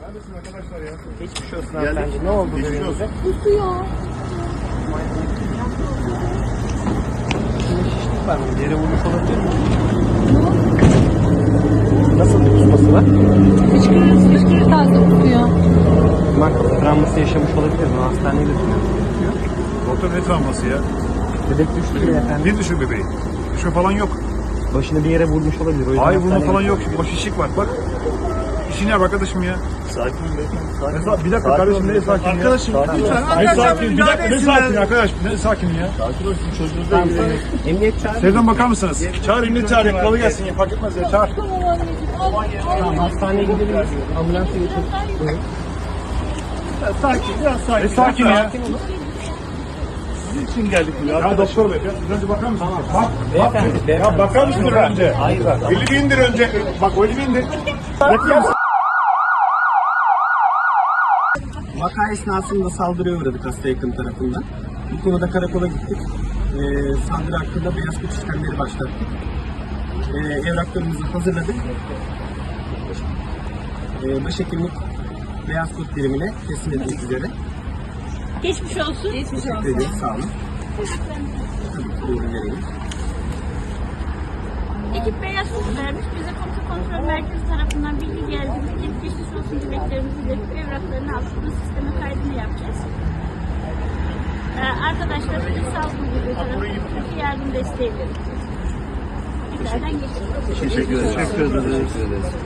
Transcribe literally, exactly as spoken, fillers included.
Neredesin arkadaşlar ya? Geçmiş olsun hanımefendi. Ne oldu bebeğinize? Kusuyor. Şimdi şişlik var mı? Yere vurmuş olabilir mi? Nasıl bir kusması var? Fışkırır, fışkırır tarzda kusuyor. Mark travması yaşamış olabilir mi? Hastaneye götürmemiz gerekiyor. Doktor ne travması ya? Bebek düştü bile efendim. Ne düşün bebeği? Düşme falan yok. Başını bir yere vurmuş olabilir. O yüzden Hayır vurma hastaneye falan yok. götürüyoruz. O şişlik var bak. İşini yap arkadaşım ya. Sakin ol beyefendi. Sakin Ne sa- bir dakika kardeşim ne sakin ya? Arkadaşım lütfen. Ne sakin? Bir dakika ne sakin arkadaş? Ne sakin ya? Sakin ol. Sizin çocuğunuzla Tamam, ilgileniyor. tamam. Emniyet çağırın. Sevdan bakar mısınız? Çağır emniyet çağırın. Kolay gelsin ya. Fark etmez ya. Çağır. Tamam anneciğim. Al, al. Tamam, hastaneye gidelim. Ambulansa götürün. Buyurun. Sakin. Biraz sakin. Ne sakin ya? Sakin olun. Sizin için geldik buraya. Ya doktor bey. Biraz önce bakar mısın? Bak. Bak. Beyefendi, Ya bakar mısın önce? Hayır bak. Elini indir önce. Bak o elini indir. Vaka esnasında saldırıya uğradık hasta yakın tarafından. Bu konuda karakola gittik. Ee, saldırı hakkında beyaz kod işlemleri başlattık. Ee, evraklarımızı hazırladık. Ee, başhekimlik beyaz kod birimine teslim etmek üzere. Geçmiş olsun. Geçmiş Teşekkür ederim. Sağ olun. Tabii ki buyurun vereyim. Ekip beyaz kod vermiş. Bize komuta kontrol merkezi tarafından bilgi geldi. Ekip geçmiş olsun dileklerimizi iletip evraklarını alıp bu sisteme kaydını yapacağız. Ee, arkadaşlar bir sağlık müdürlüğü tarafından yardım desteği verecek. İçeriden geçiyoruz. Teşekkür ederiz. Teşekkür ederiz.